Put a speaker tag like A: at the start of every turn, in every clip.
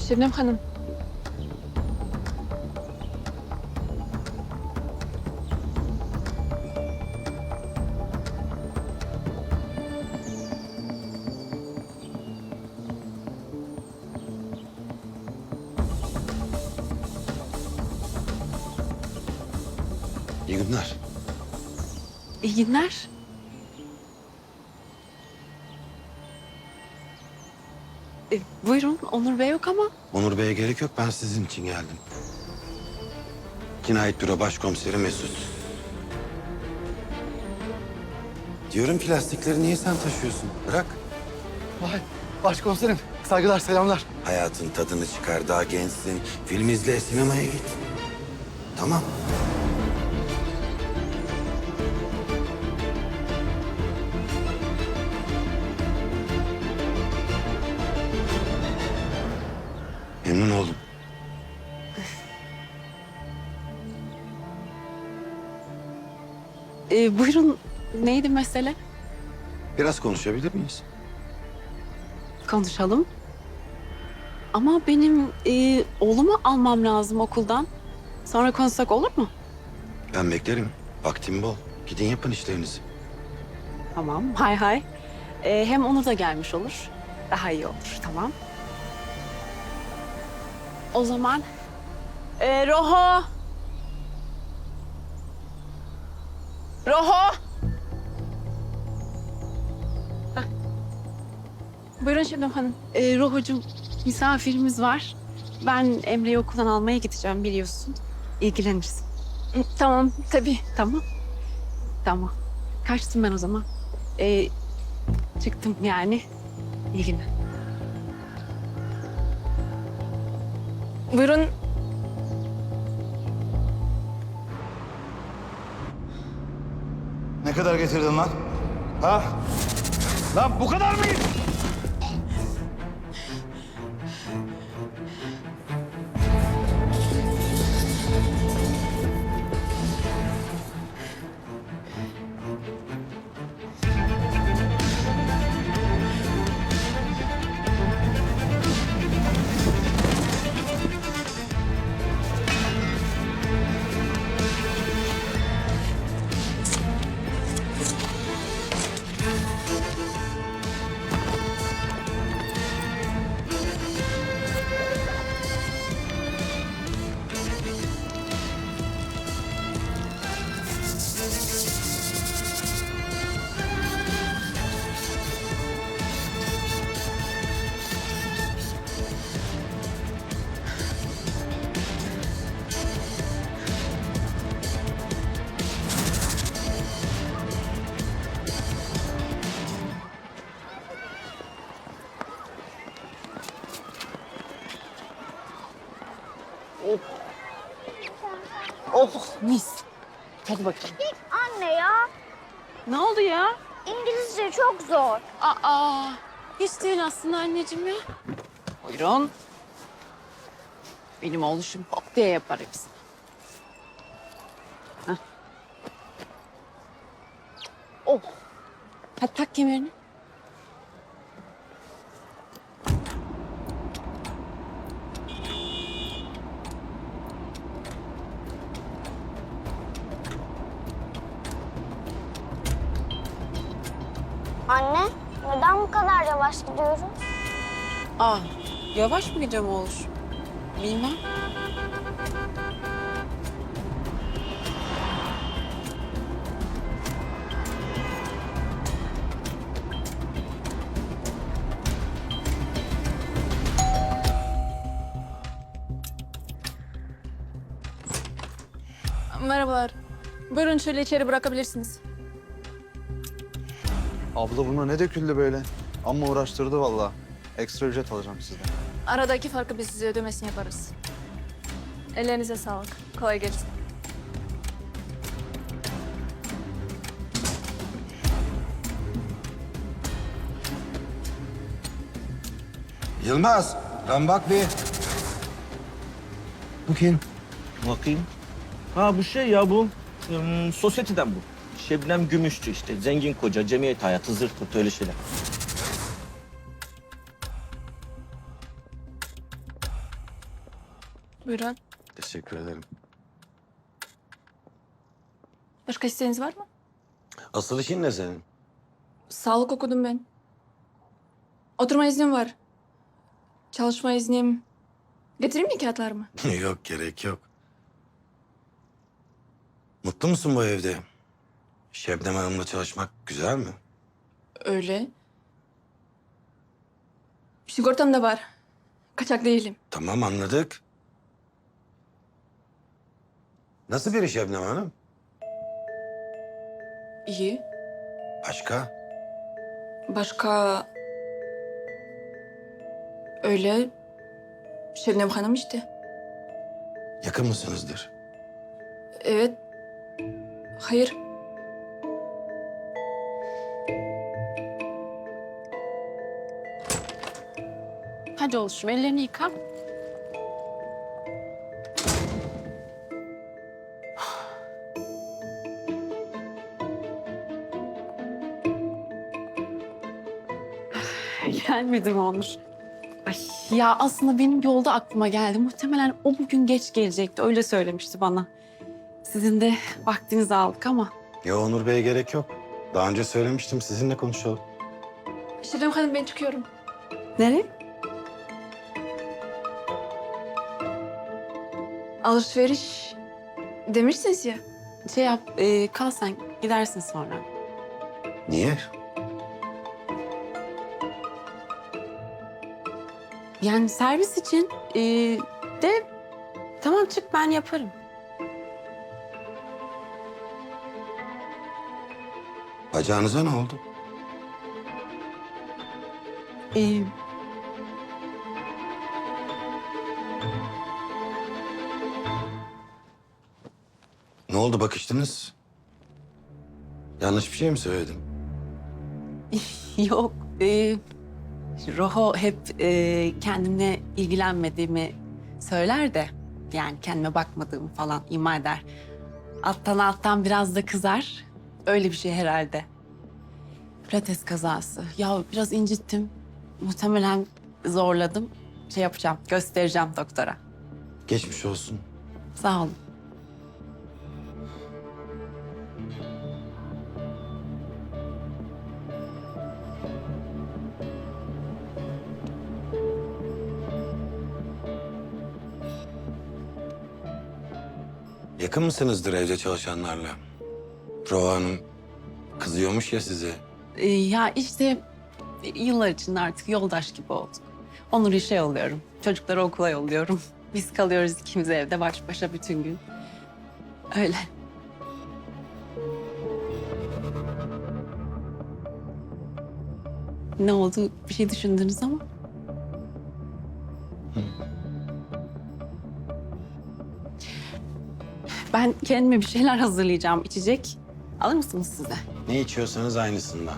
A: Şebnem Hanım.
B: İyi günler.
A: İyi günler. Buyurun, Onur Bey yok ama.
B: Onur Bey'e gerek yok. Ben sizin için geldim. Cinayet Büro Başkomiseri Mesut. Diyorum ki lastikleri niye sen taşıyorsun? Bırak.
C: Vay başkomiserim. Saygılar, selamlar.
B: Hayatın tadını çıkar. Daha gençsin. Film izle, sinemaya git. Tamam. Memnun oldum.
A: Buyurun, neydi mesele?
B: Biraz konuşabilir miyiz?
A: Konuşalım. Ama benim oğlumu almam lazım okuldan. Sonra konuşsak olur mu?
B: Ben beklerim. Vaktim bol. Gidin yapın işlerinizi.
A: Tamam, hay hay. Hem Onur da gelmiş olur. Daha iyi olur, tamam. O zaman... Roho! Roho! Heh. Buyurun Şebnem Hanım. Rohocuğum, misafirimiz var. Ben Emre'yi okuldan almaya gideceğim biliyorsun. İlgilenirsin. Tamam, tabii. Tamam. Tamam. Kaçtım ben o zaman. Çıktım yani. İyi günler. Buyurun.
D: Ne kadar getirdin lan? Ha? Lan bu kadar mı?
A: Oh mis. Hadi bakayım.
E: Anne ya,
A: Ne oldu ya?
E: İngilizce çok zor.
A: Aa, hiç değil aslında anneciğim ya. Buyurun. Benim oğluşum hop diye yapar hepsini. Hah. Oh. Hadi tak kemerini.
E: Anne, neden bu kadar yavaş gidiyoruz?
A: Aa, yavaş mı gideceğim oğluş? Bilmem.
F: Merhabalar. Buyurun şöyle içeri bırakabilirsiniz.
D: Abla buna ne döküldü böyle? Amma uğraştırdı vallahi. Ekstra ücret alacağım sizden.
F: Aradaki farkı biz size ödemesini yaparız. Ellerinize sağlık. Kolay gelsin.
B: Yılmaz, lan bak bir. Bu kim?
G: Bakayım. Ha bu şey ya bu. Sosyeteden bu. Şebnem Gümüşçü işte. Zengin koca, cemiyet hayatı, zırt pırt öyle şeyler.
F: Buyurun.
B: Teşekkür ederim.
F: Başka isteğiniz var mı?
B: Asıl işin ne senin?
F: Sağlık okudum ben. Oturma iznim var. Çalışma iznim. Getireyim mi kağıtlarımı?
B: Yok, gerek yok. Mutlu musun bu evde? Şebnem Hanım'la çalışmak güzel mi?
F: Öyle. Sigortam da var. Kaçak değilim.
B: Tamam, anladık. Nasıl biri Şebnem Hanım?
F: İyi.
B: Başka?
F: Başka... Öyle... Şebnem Hanım işte.
B: Yakın mısınızdır?
F: Evet. Hayır.
A: Hadi oluşum ellerini yıka. Gelmedi mi Onur? Ay, ya aslında benim yolda aklıma geldi. Muhtemelen o bugün geç gelecekti. Öyle söylemişti bana. Sizin de vaktinizi aldık ama.
B: Ya Onur Bey'e gerek yok. Daha önce söylemiştim, sizinle konuşalım.
F: Şebnem Hanım ben çıkıyorum.
A: Nereye?
F: Alışveriş demişsiniz ya.
A: Şey yap, kal sen. Gidersin sonra.
B: Niye?
A: Yani servis için de tamam çık ben yaparım.
B: Bacağınıza ne oldu?
A: E,
B: Ne oldu, bakıştınız? Yanlış bir şey mi söyledim?
A: yok. Roho hep kendimle ilgilenmediğimi söyler de yani kendime bakmadığımı falan ima eder. Alttan biraz da kızar. Öyle bir şey herhalde. Pilates kazası. Ya biraz incittim. Muhtemelen zorladım. Şey yapacağım, göstereceğim doktora.
B: Geçmiş olsun.
A: Sağ olun.
B: Yakın mısınızdır evde çalışanlarla? Roğa Hanım kızıyormuş ya size.
A: Ya işte yıllar içinde artık yoldaş gibi olduk. Onur'u işe yolluyorum. Çocukları okula yolluyorum. Biz kalıyoruz ikimiz evde baş başa bütün gün. Öyle. Ne oldu? Bir şey düşündünüz ama. Ben kendime bir şeyler hazırlayacağım. İçecek. Alır mısınız size?
B: Ne içiyorsanız aynısından.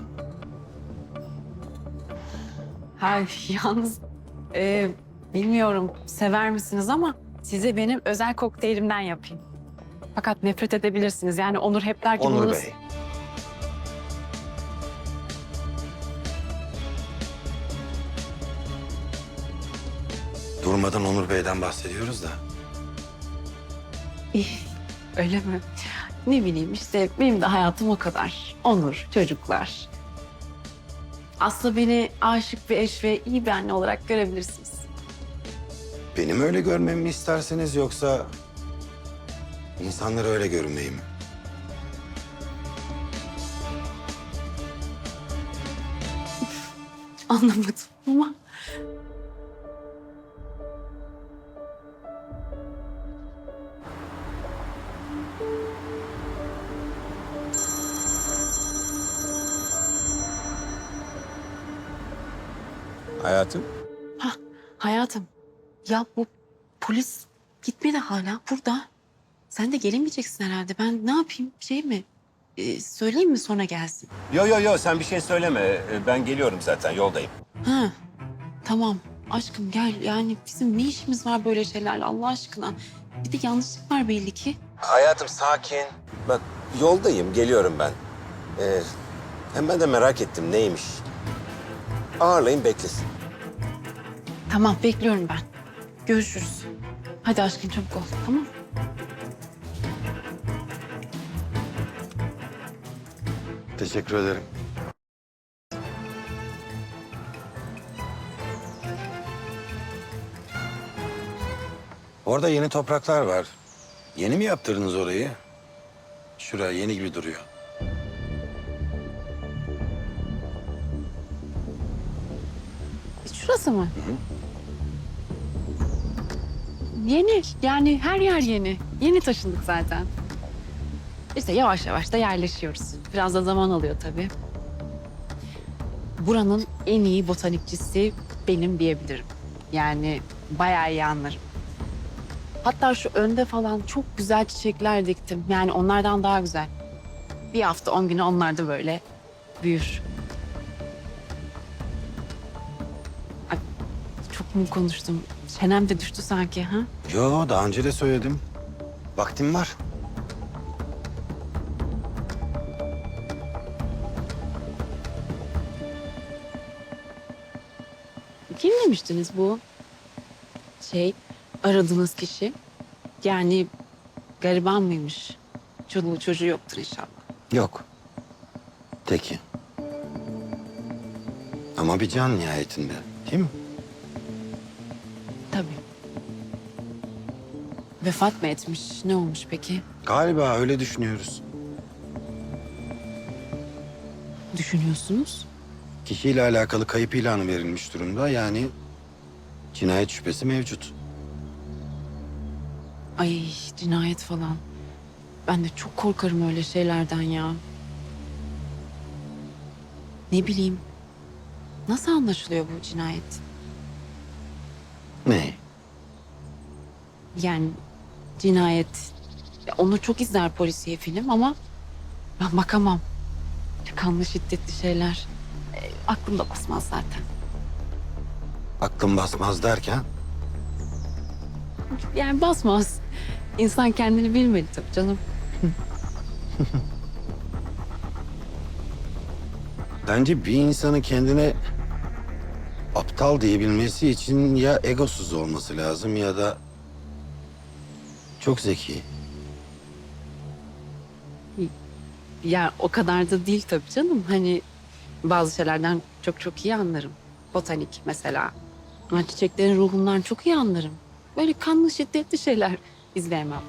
A: Ha, yalnız bilmiyorum sever misiniz ama size benim özel kokteylimden yapayım. Fakat nefret edebilirsiniz. Yani Onur hep der ki
B: Onur
A: bunu...
B: Bey. Durmadan Onur Bey'den bahsediyoruz da.
A: Öyle mi? Ne bileyim işte benim de hayatım o kadar. Onur, çocuklar. Aslında beni aşık bir eş ve iyi bir anne olarak görebilirsiniz.
B: Benim öyle görmemi mi isterseniz yoksa insanlara öyle görünmeyi mi?
A: Anlamadım ama...
B: Hayatım?
A: Hayatım, ya bu polis gitmedi hala burada. Sen de gelemeyeceksin herhalde. Ben ne yapayım? Şey mi? Söyleyeyim mi sonra gelsin?
H: Yo sen bir şey söyleme. Ben geliyorum zaten yoldayım.
A: Ha, tamam. Aşkım gel. Yani bizim ne işimiz var böyle şeylerle Allah aşkına? Bir de yanlışlık var belli ki.
H: Hayatım sakin. Bak yoldayım geliyorum ben. Hem ben de merak ettim neymiş. Ağırlayın beklesin.
A: Tamam, bekliyorum ben. Görüşürüz. Hadi aşkım çabuk ol, tamam?
B: Teşekkür ederim. Orada yeni topraklar var. Yeni mi yaptırdınız orayı? Şuraya yeni gibi duruyor.
A: Şurası mı? Yeni, yani her yer yeni. Yeni taşındık zaten. İşte yavaş yavaş da yerleşiyoruz. Biraz da zaman alıyor tabii. Buranın en iyi botanikçisi benim diyebilirim. Yani bayağı iyi anlarım. Hatta şu önde falan çok güzel çiçekler diktim. Yani onlardan daha güzel. Bir hafta 10 güne onlar da böyle büyür. Ay, çok mu konuştum? Çenem de düştü sanki ha?
B: Yo, daha önce de söyledim. Vaktim var.
A: Kim demiştiniz bu? Aradığınız kişi. Yani gariban mıymış? Çoluğu çocuğu yoktur inşallah.
B: Yok. Teki. Ama bir can nihayetinde, değil mi?
A: Tabii. Vefat mı etmiş? Ne olmuş peki?
B: Galiba öyle düşünüyoruz.
A: Düşünüyorsunuz?
B: Kişiyle alakalı kayıp ilanı verilmiş durumda. Yani cinayet şüphesi mevcut.
A: Ay cinayet falan. Ben de çok korkarım öyle şeylerden ya. Ne bileyim. Nasıl anlaşılıyor bu cinayet?
B: Ne?
A: Yani cinayet. Ya onu çok izler polisiye film ama ben bakamam. Kanlı şiddetli şeyler. Aklımda basmaz zaten.
B: Aklım basmaz derken?
A: Yani basmaz. İnsan kendini bilmeli tabii canım.
B: Bence bir insanın kendine aptal diyebilmesi için ya egosuz olması lazım ya da çok zeki.
A: Ya o kadar da değil tabii canım. Hani bazı şeylerden çok çok iyi anlarım. Botanik mesela. Ben çiçeklerin ruhundan çok iyi anlarım. Böyle kanlı şiddetli şeyler izleyemem.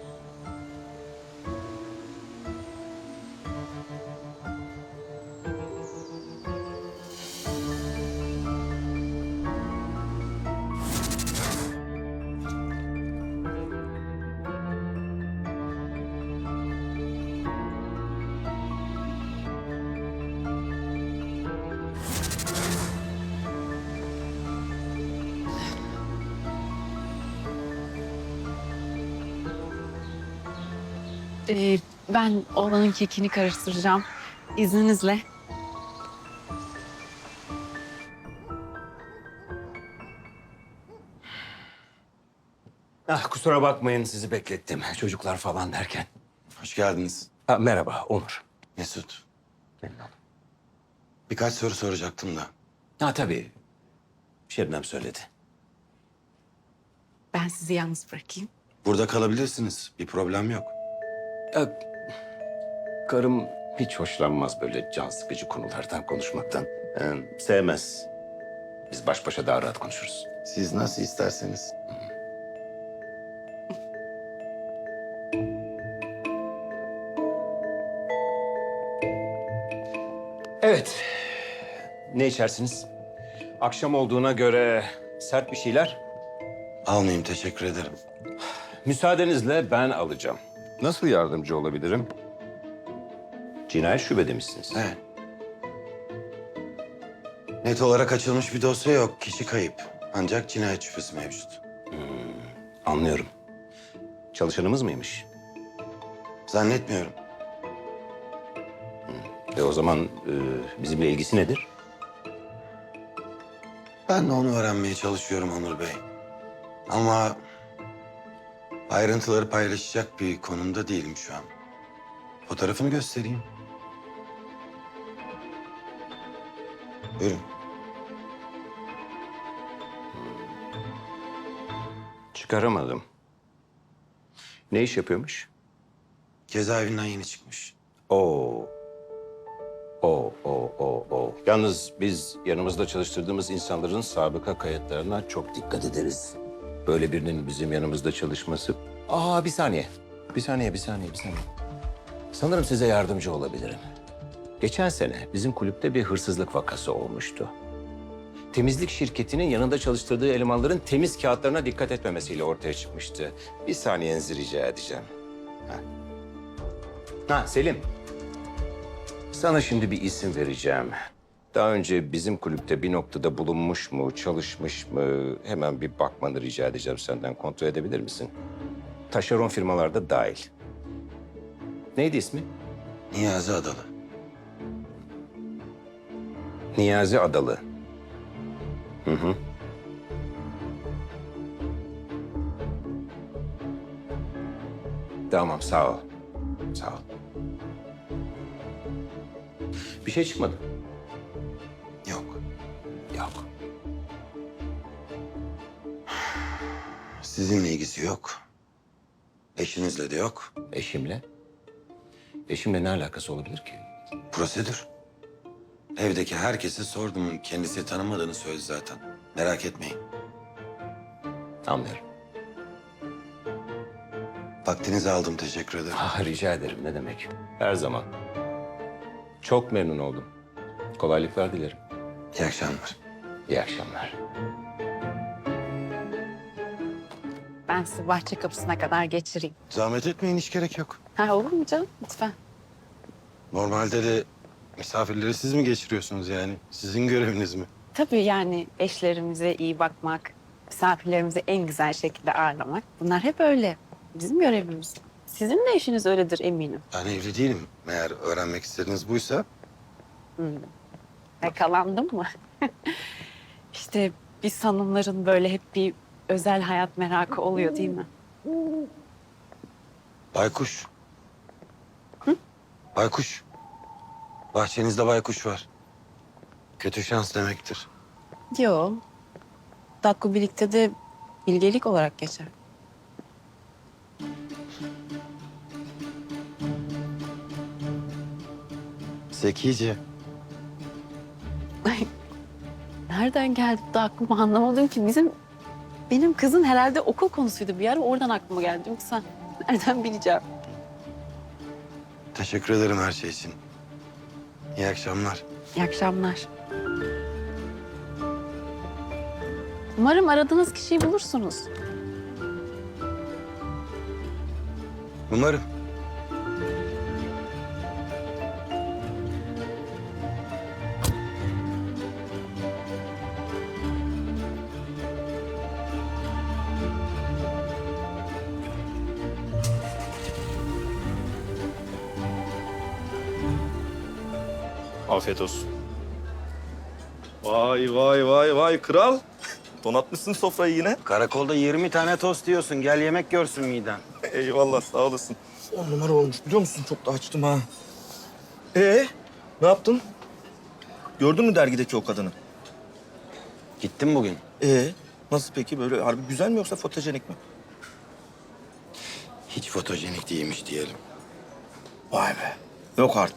A: Ben oğlanın kekini karıştıracağım. İzninizle.
H: Ah, kusura bakmayın sizi beklettim. Çocuklar falan derken.
B: Hoş geldiniz.
H: Ha, merhaba Onur.
B: Mesut.
H: Memnun oldum.
B: Birkaç soru soracaktım da.
H: Ha tabii. Şebnem söyledi.
A: Ben sizi yalnız bırakayım.
B: Burada kalabilirsiniz. Bir problem yok.
H: Karım hiç hoşlanmaz böyle can sıkıcı konulardan konuşmaktan. Sevmez. Biz baş başa daha rahat konuşuruz.
B: Siz nasıl isterseniz.
H: Evet. Ne içersiniz? Akşam olduğuna göre sert bir şeyler.
B: Almayayım, teşekkür ederim.
H: Müsaadenizle ben alacağım. Nasıl yardımcı olabilirim? Cinayet şube misiniz?
B: Evet. Net olarak açılmış bir dosya yok. Kişi kayıp. Ancak cinayet şüphesi mevcut.
H: Anlıyorum. Çalışanımız mıymış?
B: Zannetmiyorum.
H: O zaman bizimle ilgisi nedir?
B: Ben de onu öğrenmeye çalışıyorum Onur Bey. Ama ayrıntıları paylaşacak bir konumda değilim şu an. Fotoğrafını göstereyim. Buyurun.
H: çıkaramadım. Ne iş yapıyormuş?
B: Cezaevinden yeni çıkmış.
H: Oo. O. Yalnız biz yanımızda çalıştırdığımız insanların sabıka kayıtlarına çok dikkat ederiz. Böyle birinin bizim yanımızda çalışması... Bir saniye. Bir saniye. Sanırım size yardımcı olabilirim. Geçen sene bizim kulüpte bir hırsızlık vakası olmuştu. Temizlik şirketinin yanında çalıştırdığı elemanların temiz kağıtlarına dikkat etmemesiyle ortaya çıkmıştı. Bir saniyenizi rica edeceğim. Selim. Sana şimdi bir isim vereceğim. Daha önce bizim kulüpte bir noktada bulunmuş mu, çalışmış mı? Hemen bir bakmanı rica edeceğim senden. Kontrol edebilir misin? Taşeron firmalarda dahil. Neydi ismi?
B: Niyazi Adalı.
H: Niyazi Adalı. Hı. Tamam, sağ ol. Sağ ol. Bir şey çıkmadı.
B: Yok.
H: Yok.
B: Sizinle ilgisi yok. Eşinizle de yok.
H: Eşimle? Eşimle ne alakası olabilir ki?
B: Prosedür. Evdeki herkese sordum. Kendisi tanımadığını söyledi zaten. Merak etmeyin.
H: Anlıyorum.
B: Vaktinizi aldım. Teşekkür ederim.
H: Rica ederim, ne demek. Her zaman. Çok memnun oldum. Kolaylıklar dilerim.
B: İyi akşamlar.
H: İyi akşamlar.
A: Ben sizi bahçe kapısına kadar geçireyim.
B: Zahmet etmeyin. Hiç gerek yok.
A: Olur mu canım? Lütfen.
B: Normalde de misafirleri siz mi geçiriyorsunuz yani? Sizin göreviniz mi?
A: Tabii yani eşlerimize iyi bakmak, misafirlerimizi en güzel şekilde ağırlamak. Bunlar hep öyle. Bizim görevimiz. Sizin de eşiniz öyledir eminim.
B: Ben evli değilim. Eğer öğrenmek istediğiniz buysa...
A: Yakalandım mı? İşte biz hanımların böyle hep bir özel hayat merakı oluyor değil mi?
B: Baykuş. Baykuş. Bahçenizde baykuş var. Kötü şans demektir.
A: Yok. Dakku birlikte de bilgelik olarak geçer.
B: Zekice.
A: Nereden geldi bu da aklıma anlamadım ki. Benim kızın herhalde okul konusuydu bir ara. Oradan aklıma geldi. Yoksa nereden bileceğim?
B: Teşekkür ederim her şey için. İyi akşamlar.
A: İyi akşamlar. Umarım aradığınız kişiyi bulursunuz.
B: Umarım.
G: Afiyet olsun. Vay kral. Donatmışsın sofrayı yine.
B: Karakolda 20 tane tost diyorsun. Gel yemek görsün miden.
G: Eyvallah, sağ olasın. 10 numara olmuş biliyor musun? Çok da açtım ha. Ne yaptın? Gördün mü dergideki o kadını?
B: Gittim bugün.
G: Nasıl peki? Böyle harbi güzel mi yoksa fotojenik mi?
B: Hiç fotojenik değilmiş diyelim.
G: Vay be. Yok artık.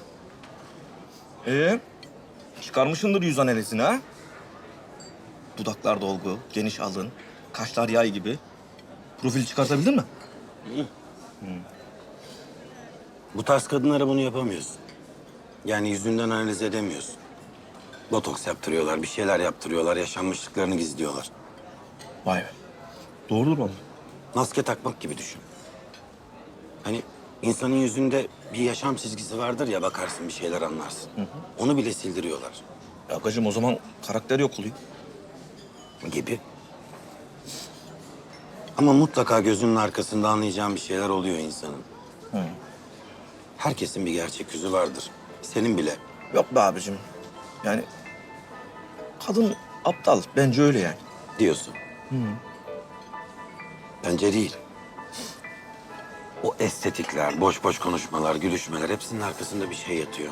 G: Çıkarmışsındır yüz analizini ha? Dudaklar dolgu, geniş alın, kaşlar yay gibi. Profil çıkartabildin mi?
B: Bu tarz kadınlara bunu yapamıyorsun. Yani yüzünden analiz edemiyorsun. Botoks yaptırıyorlar, bir şeyler yaptırıyorlar, yaşanmışlıklarını gizliyorlar.
G: Vay be. Doğrudur oğlum.
B: Maske takmak gibi düşün. Hani insanın yüzünde bir yaşam çizgisi vardır ya, bakarsın bir şeyler anlarsın. Onu bile sildiriyorlar
G: Ya bacım o zaman karakter yok oluyor.
B: gibi. Ama mutlaka gözünün arkasında anlayacağın bir şeyler oluyor insanın. Herkesin bir gerçek yüzü vardır. Senin bile.
G: Yok be abicim. Yani kadın aptal. Bence öyle yani.
B: Diyorsun. Bence değil. O estetikler, boş boş konuşmalar, gülüşmeler hepsinin arkasında bir şey yatıyor.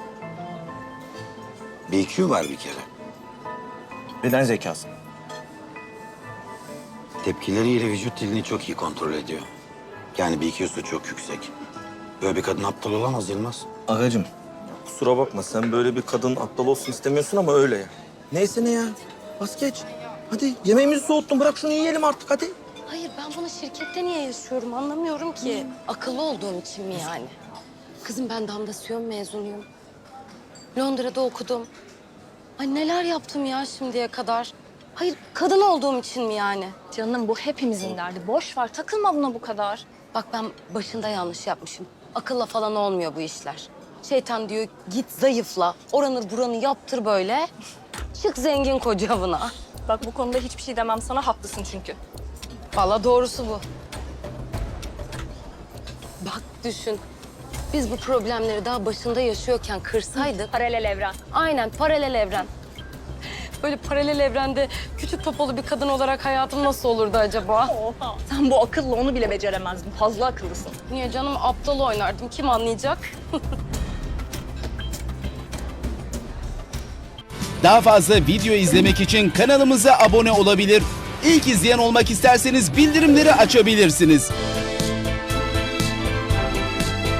B: Bir IQ var bir kere.
G: Beden zekası.
B: Tepkileriyle vücut dilini çok iyi kontrol ediyor. Yani BQ'su çok yüksek. Böyle bir kadın aptal olamaz Yılmaz.
G: Agacığım kusura bakma sen böyle bir kadın aptal olsun istemiyorsun ama öyle ya. Neyse ne ya. Bas geç. Hadi yemeğimizi soğuttun bırak şunu yiyelim artık hadi.
I: Hayır ben bunu şirkette niye yaşıyorum anlamıyorum ki. Akıllı olduğum için mi yani? Kızım ben damdasyon mezunuyum. Londra'da okudum. Ay neler yaptım ya şimdiye kadar. Hayır kadın olduğum için mi yani?
F: Canım bu hepimizin derdi. Boş ver takılma buna bu kadar.
I: Bak ben başında yanlış yapmışım. Akılla falan olmuyor bu işler. Şeytan diyor git zayıfla. Oranı buranı yaptır böyle. Çık zengin koca avına.
F: Bak bu konuda hiçbir şey demem sana, haklısın çünkü.
I: Vallahi doğrusu bu. Bak düşün. Biz bu problemleri daha başında yaşıyorken kırsaydık.
F: Paralel evren.
I: Aynen paralel evren. Böyle paralel evrende küçük popolu bir kadın olarak hayatım nasıl olurdu acaba?
F: Oha. Sen bu akılla onu bile beceremezdin. Fazla akıllısın.
I: Niye canım aptal oynardım kim anlayacak?
J: Daha fazla video izlemek için kanalımıza abone olabilir. İlk izleyen olmak isterseniz bildirimleri açabilirsiniz.